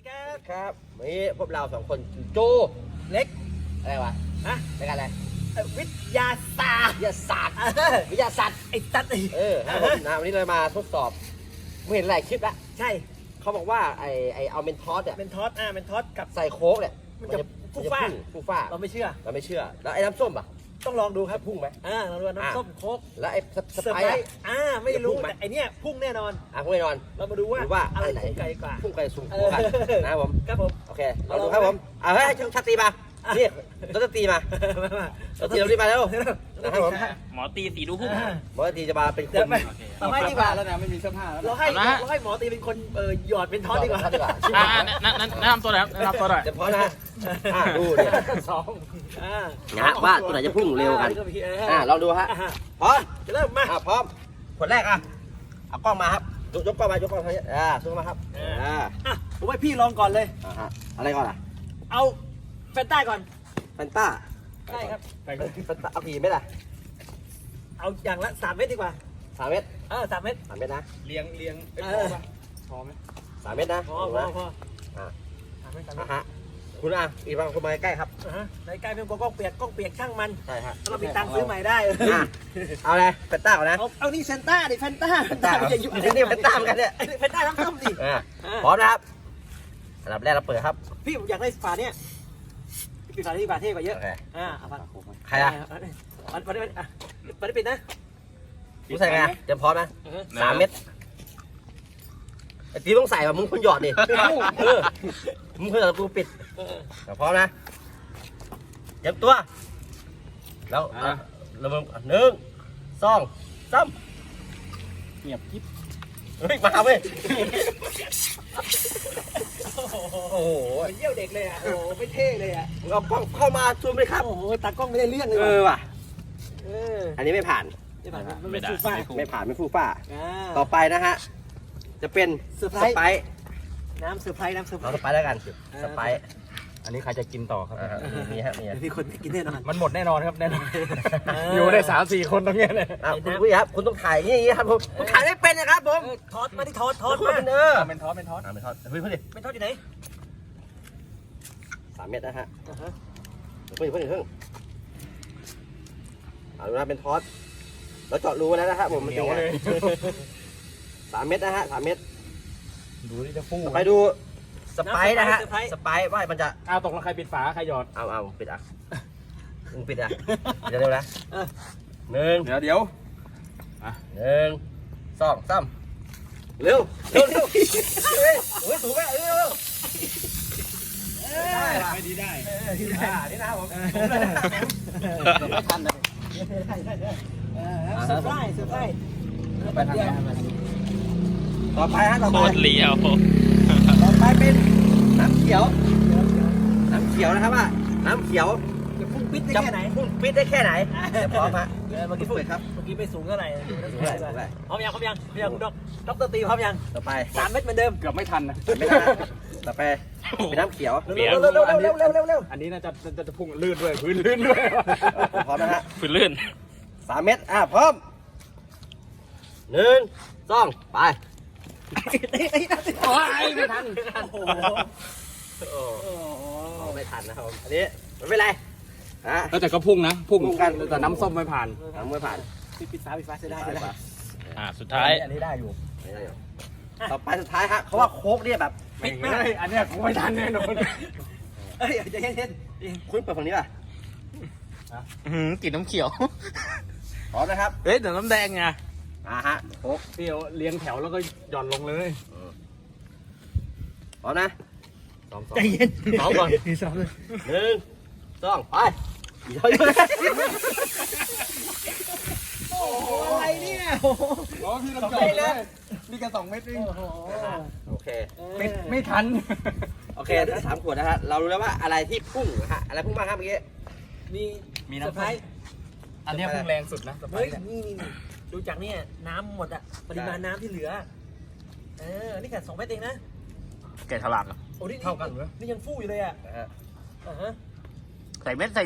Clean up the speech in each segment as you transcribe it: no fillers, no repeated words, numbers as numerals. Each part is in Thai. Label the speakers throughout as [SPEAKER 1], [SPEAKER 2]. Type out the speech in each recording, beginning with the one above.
[SPEAKER 1] ครับวันนี้พวกเรา2 คนโจเล็กอะไรวะฮะรายการอะไร
[SPEAKER 2] วิทยาศาสตร์
[SPEAKER 1] วิทยาศาสตร์
[SPEAKER 2] ไอ้ตัด
[SPEAKER 1] ครับผมนะวันนี้เรามาทดสอบไม่เห็นหลายคลิปละ
[SPEAKER 2] ใช่
[SPEAKER 1] เขาบอกว่าไอเอาเมนทอสเนี่ย
[SPEAKER 2] เมนทอสกับ
[SPEAKER 1] ใส่โค้กเนี่ย
[SPEAKER 2] มันจะฟู
[SPEAKER 1] ฟ้า
[SPEAKER 2] เราไม่เชื่อ
[SPEAKER 1] แล้วไอ้น้ำส้มอ่ะ
[SPEAKER 2] ต้องลองดูครับ
[SPEAKER 1] พุ่งไหม
[SPEAKER 2] เราดูน้ำส้มโค้ก
[SPEAKER 1] แล้วไอ้สไปร์
[SPEAKER 2] ไม่รู้แต่ไอเนี้ยพุ่งแน่นอน
[SPEAKER 1] พุ่งแน่นอน
[SPEAKER 2] เรามาดูว่าอะไรพุ่งไกลกว่า
[SPEAKER 1] พุ่งไกลสูงกันนะครับผมโอเคเราดูครับผมให้ชักตีมานี่เราจะตีมาเราตีมาแล้วนะครับผม
[SPEAKER 3] หมอตีสีดูพุ่ง
[SPEAKER 1] หมอตีจะมาเป็นคน
[SPEAKER 2] ไม่ดีกว่า
[SPEAKER 4] แล้วนะไม่มีเสื้อผ้าแล้ว
[SPEAKER 2] เราให้หมอตีเป็นคนหยอดเป็นทอดดีกว่า
[SPEAKER 3] แนะนำตัวหน่อยแนะนำตัวหน่อย
[SPEAKER 1] จะพอนะดูเนี่ยนะว่าตัวไหนจะพุ่งเร็วกันลองดูฮะพร้อม
[SPEAKER 2] จะเริ่มมา
[SPEAKER 1] พร้อมคนแรกเอากล้องมาครับยกกล้องมายกกล้องทางนี้ซูมมาครับ
[SPEAKER 2] ผมให้พี่ลองก่อนเลย
[SPEAKER 1] อะไรก่อน
[SPEAKER 2] เอาแฟนต้าก่อน
[SPEAKER 1] แฟนต้า
[SPEAKER 2] ใช่ครับ
[SPEAKER 1] แฟนต้าเอากี่เม็ด
[SPEAKER 2] เอาอย่างละ3 เม็ดดีกว่า
[SPEAKER 1] 3 เม็ด
[SPEAKER 2] 3 เม็ด
[SPEAKER 1] 3 เม็ดนะ
[SPEAKER 4] เลี้ยงพอไหม
[SPEAKER 1] 3 เม็ดนะ
[SPEAKER 2] พอ
[SPEAKER 1] คุณอีกบางคนมาใกล้ครับ
[SPEAKER 2] ในใกล้เป็นกล้องเปียกช่างมัน
[SPEAKER 1] ใช่ฮะ
[SPEAKER 2] เรามีตังค์ซื้อใหม่ได้
[SPEAKER 1] เอาเลยแฟนต้าก่อนนะ
[SPEAKER 2] เอานี่เซนต้าดิแฟนต้า
[SPEAKER 1] จะอยู่นี่แฟนต้ากันเนี่ย
[SPEAKER 2] แฟนต้าน้ำส้มดิ
[SPEAKER 1] พร้อมนะครับอันดับแรกเราเปิดครับ
[SPEAKER 2] พี่อยากได้ฝาเนี่ยพี่ฝาที่ฝาเท่กว่าเยอะ
[SPEAKER 1] ใคร
[SPEAKER 2] มันปิดนะ
[SPEAKER 1] มึงใส่ไงเตรียมพร้อมนะ3 เม็ดไอ้ตีต้องใส่แบบมึงคนหยอดดิมึงคนหยอดกูปิดพร้อมนะเตรียมตัวแล้วเรา1 2 3
[SPEAKER 4] เงียบกิ๊บ
[SPEAKER 1] เฮ้ยมาเว้ย
[SPEAKER 2] โอ้โหเยี่ยวเด็กเลยโอ้ไม่เท่เลย
[SPEAKER 1] มึงเอากล้องเข้ามาซูมเลยครับ
[SPEAKER 2] โอ้โหตากล้องไม่ได้เรื่องเลย
[SPEAKER 1] ว่ะอันนี้ไม่ผ่านไม่ฟูฟ้าต่อไปนะฮะจะเป็นสไปซ์
[SPEAKER 2] น้ำเซอร์ไพรส์
[SPEAKER 1] สไปซ์แล้วกันสไปซ์
[SPEAKER 4] อันนี้ใครจะกินต่อครับ
[SPEAKER 2] มีคนกินแน่นอน
[SPEAKER 4] มันหมดแน่นอนครับแน่นอนอยู่ได้3-4 คนตรงนี้เลย
[SPEAKER 1] คุณผู้ชมครับคุณต้องถ่ายอย่างนี้ครับผมถ่ายไม่เป็นนะครับผม
[SPEAKER 2] ทอดมาที่ทอดมา
[SPEAKER 1] เป็นทอดเฮ้ยเพื่อนดิ
[SPEAKER 2] เป็นทอดอยู่ไหน
[SPEAKER 1] 3 เม็ดนะฮะเพิ่งเอาดูนะเป็นทอดแล้วเจาะรูแล้วนะครับผมมันเป็นไง3 เม็ดนะฮะ3 เม็ด
[SPEAKER 4] ดูนี่จะฟู
[SPEAKER 1] ไปดูสไปซ์นะฮะสไปซ์ว่ามันจะ
[SPEAKER 4] ตกลงใครปิดฝาใครหยอด
[SPEAKER 1] เอาปิดมึงปิดเร็วนะ1
[SPEAKER 4] เดี๋ยว
[SPEAKER 1] 1 2 3เร็วเฮ้ยถูกไหม
[SPEAKER 4] ไม่ดีได้
[SPEAKER 1] นี่นะครับผม
[SPEAKER 4] ไม่ทันเลย
[SPEAKER 2] เซอร์ไพรส์
[SPEAKER 1] ต่อไปฮะ
[SPEAKER 3] โคตรเลี้ยว
[SPEAKER 1] ต่อไปเป็นน้ำเขียวนะครับว่าน้ำเขียว
[SPEAKER 2] จะพุ่งปิดได้แค่ไหน
[SPEAKER 1] พุ่งปิดได้แค่ไหนพร้อมฮะ
[SPEAKER 2] เมื่อกี้เปิดครับเมื่อกี้ไม่สูงเท่าไหร่พร้อมยังคุณด็อกเตอร์ตีพร้อมยัง
[SPEAKER 1] ต่อไป
[SPEAKER 2] 3 เม็ดเหมือนเดิม
[SPEAKER 4] เกือบไม่ทันนะ
[SPEAKER 1] ต่อไปเป็นน้ำเขียว
[SPEAKER 2] เร็ว
[SPEAKER 4] อันนี้น่าจะพุ่งลื่นด้วยพื้นลื่นด้วย
[SPEAKER 1] พร้อมนะฮะ
[SPEAKER 3] พื้นลื่น
[SPEAKER 1] 3 เม็ดพร้อม1 2ไป
[SPEAKER 4] ไม่ทัน
[SPEAKER 1] ไม่ทันนะครับอันนี้ไม่เป็นไร
[SPEAKER 4] แต่ก็พุ่งนะพุ่งกันแต่น้ำส้มไม่ผ่าน
[SPEAKER 2] ปิดฟ้าเสียได้
[SPEAKER 3] สุดท้าย
[SPEAKER 4] อันนี้ได้อยู่
[SPEAKER 1] ต่อไปสุดท้ายฮะเขาว่าโค้กเนี่ยแบบ
[SPEAKER 4] ปิดไม่ได้อันนี้คงไม่ทันแน่นอน
[SPEAKER 2] จะเย็น
[SPEAKER 1] คุณเปิดฝั่งนี้ป่ะ
[SPEAKER 3] กลิ่นน้ำเขียว
[SPEAKER 1] พร้อมนะครับ
[SPEAKER 3] เฮ้ยแต่น้ำแดงไง
[SPEAKER 1] ฮะโค้ก
[SPEAKER 4] เดี๋ยวเลี้ยงแถวแล้วก็หย่อนลงเลย
[SPEAKER 1] พร้อมนะ
[SPEAKER 2] ใจเย็น
[SPEAKER 1] ก่อน1 2ไป
[SPEAKER 2] โอ้โหอะไรเนี่ย
[SPEAKER 4] พี่ลำจอยเลยนี่กัน2 เม็ดเอง
[SPEAKER 1] โอเค
[SPEAKER 4] ไม่ทัน
[SPEAKER 1] โอเคถ้า3 ขวดนะฮะเรารู้แล้วว่าอะไรที่พุ่งฮะอะไรพุ่งมากครับเมื่อกี้
[SPEAKER 2] มีน้ำไพรส์
[SPEAKER 4] อันนี้พุ่งแรงสุดนะ
[SPEAKER 2] เฮ้ยนี่ดูจากเนี่ยน้ำหมดอะปริมาณน้ำที่เหลือนี่แค่2 เม็ดเองนะ
[SPEAKER 3] แกะฉลาก
[SPEAKER 2] โอ้นี่เท่ากันเหรอนี่ยังฟูอยู่เลยอ่ะ
[SPEAKER 3] ใส่เม็ด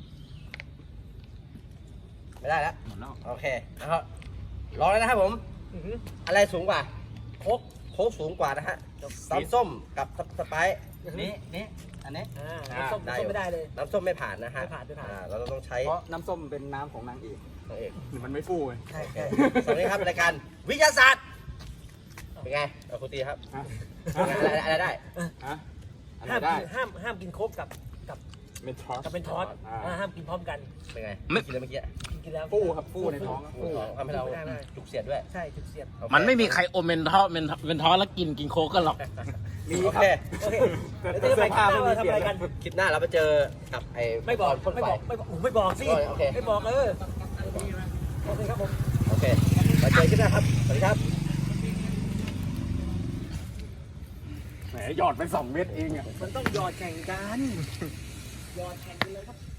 [SPEAKER 1] ไม่ได้แล้วโอเคนะครับรอเลยนะครับผม
[SPEAKER 2] อื้อหือ
[SPEAKER 1] อะไรสูงกว่า
[SPEAKER 2] โคก
[SPEAKER 1] โค้กสูงกว่านะฮะน้ำส้มกับสไปซ์
[SPEAKER 4] นี่อันนี้
[SPEAKER 2] น้ำส้มไม่ได้เลย
[SPEAKER 1] น้ำส้มไม่ผ่านนะฮะ
[SPEAKER 2] ไม่ผ่าน
[SPEAKER 1] เราต้องใช้
[SPEAKER 4] เพราะน้ำส้มเป็นน้ำของนางเอก
[SPEAKER 1] นางเอก
[SPEAKER 4] มันไม่ฟูไง
[SPEAKER 2] ใช่
[SPEAKER 1] โอเคสวัสดีครับรายการวิทยาศาสตร์เป็นไงเอาคุณตีครับ
[SPEAKER 4] ฮะ
[SPEAKER 1] อะไรได้
[SPEAKER 4] ฮะอันไหน
[SPEAKER 2] ห้าม
[SPEAKER 4] ได้
[SPEAKER 2] กินห้ามกินโคกกับ
[SPEAKER 4] เมนทอส
[SPEAKER 2] เป็นทอสห้ามกินพร้อมกัน
[SPEAKER 1] เป็นไง
[SPEAKER 3] ไม่
[SPEAKER 1] กินแล้วเมื่อกี้
[SPEAKER 2] กินแล้ว
[SPEAKER 4] ฟูครับฟูในท้อง
[SPEAKER 1] ฟูทำให้เราจุกเสียดด้วย
[SPEAKER 2] ใช่จุดเสียด
[SPEAKER 1] โอเค
[SPEAKER 3] มันไม่มีใครอมเมนทอสเมนทอสแล้วกินโค้กกันหรอก
[SPEAKER 4] มี
[SPEAKER 1] โอ
[SPEAKER 4] ครั
[SPEAKER 1] เค
[SPEAKER 4] บ
[SPEAKER 2] โอเค
[SPEAKER 4] แต่
[SPEAKER 2] แล้วจะไป
[SPEAKER 4] เสื้อผ้า
[SPEAKER 2] ข้าว
[SPEAKER 4] ไม่มี
[SPEAKER 2] ทำ
[SPEAKER 4] เปลี่ย
[SPEAKER 2] อะไร
[SPEAKER 4] น
[SPEAKER 2] กัน
[SPEAKER 1] คลิปหน้าเราไปเจอกับไอ้
[SPEAKER 2] ไม่บอก
[SPEAKER 1] พ่นไฟ
[SPEAKER 2] ไม่บอกสิ
[SPEAKER 1] โอเค
[SPEAKER 2] ไม่บอกโอเคครับผม
[SPEAKER 1] โอเคมาเจอคลิปหน้าครับสวัสดีครับ
[SPEAKER 4] แหมหยอดไป2 เม็ดเองอ่ะ
[SPEAKER 2] มันต้องหยอดแข่งกันหยอดแข่งกันเลยครับ